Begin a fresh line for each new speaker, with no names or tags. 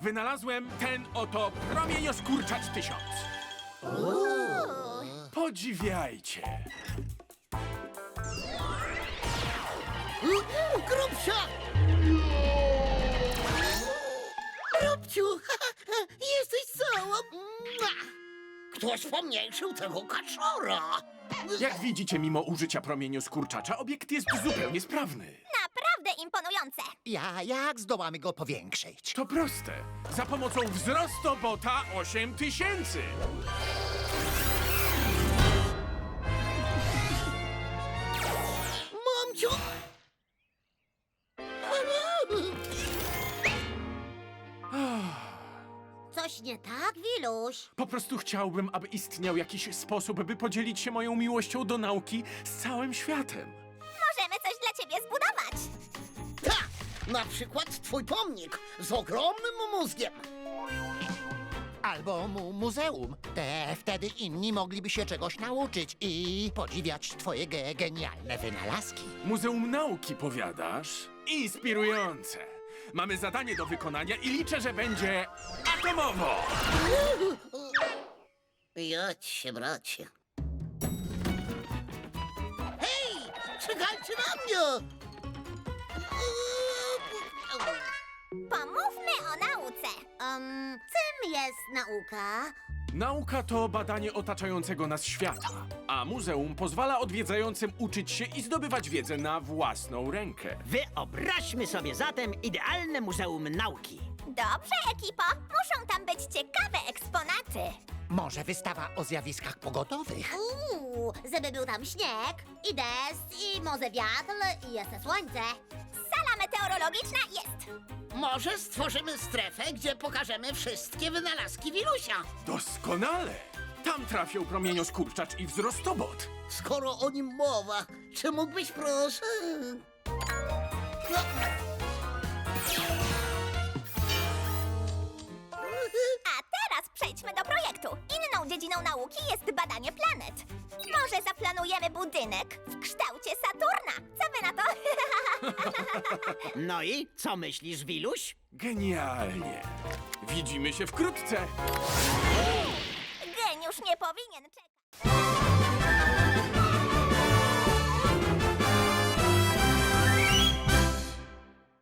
Wynalazłem ten oto promienioskurczacz 1000. Podziwiajcie.
Grubsia! Grubciu, jesteś cała. Ktoś pomniejszył tego kaczora.
Jak widzicie, mimo użycia promienioskurczacza, obiekt jest zupełnie sprawny.
Naprawdę imponujące.
Jak zdołamy go powiększyć?
To proste. Za pomocą wzrostobota 8000.
Mamciu!
Coś nie tak, Wiluś?
Po prostu chciałbym, aby istniał jakiś sposób, by podzielić się moją miłością do nauki z całym światem.
Możemy coś dla ciebie zbudować.
Tak, na przykład twój pomnik z ogromnym mózgiem.
Albo muzeum. Wtedy inni mogliby się czegoś nauczyć i podziwiać twoje genialne wynalazki.
Muzeum Nauki, powiadasz? Inspirujące. Mamy zadanie do wykonania i liczę, że będzie atomowo.
Jadź się, bracie. Hej, czekajcie na mnie!
Pomówmy o nauce. Czym jest nauka?
Nauka to badanie otaczającego nas świata, a muzeum pozwala odwiedzającym uczyć się i zdobywać wiedzę na własną rękę.
Wyobraźmy sobie zatem idealne muzeum nauki.
Dobrze, ekipo. Muszą tam być ciekawe eksponaty.
Może wystawa o zjawiskach pogodowych?
Żeby był tam śnieg, i deszcz, i może wiatr, i jeszcze słońce. Sala meteorologiczna jest.
Może stworzymy strefę, gdzie pokażemy wszystkie wynalazki Wilusia.
Doskonale! Tam trafią promienioskurczacz i wzrostobot.
Skoro o nim mowa, czy mógłbyś proszę... No.
A teraz przejdźmy do projektu. Inną dziedziną nauki jest badanie planet. Może zaplanujemy budynek w kształcie Saturna. Co wy na to?
No i co myślisz, Wiluś?
Genialnie! Widzimy się wkrótce!
Geniusz nie powinien czekać.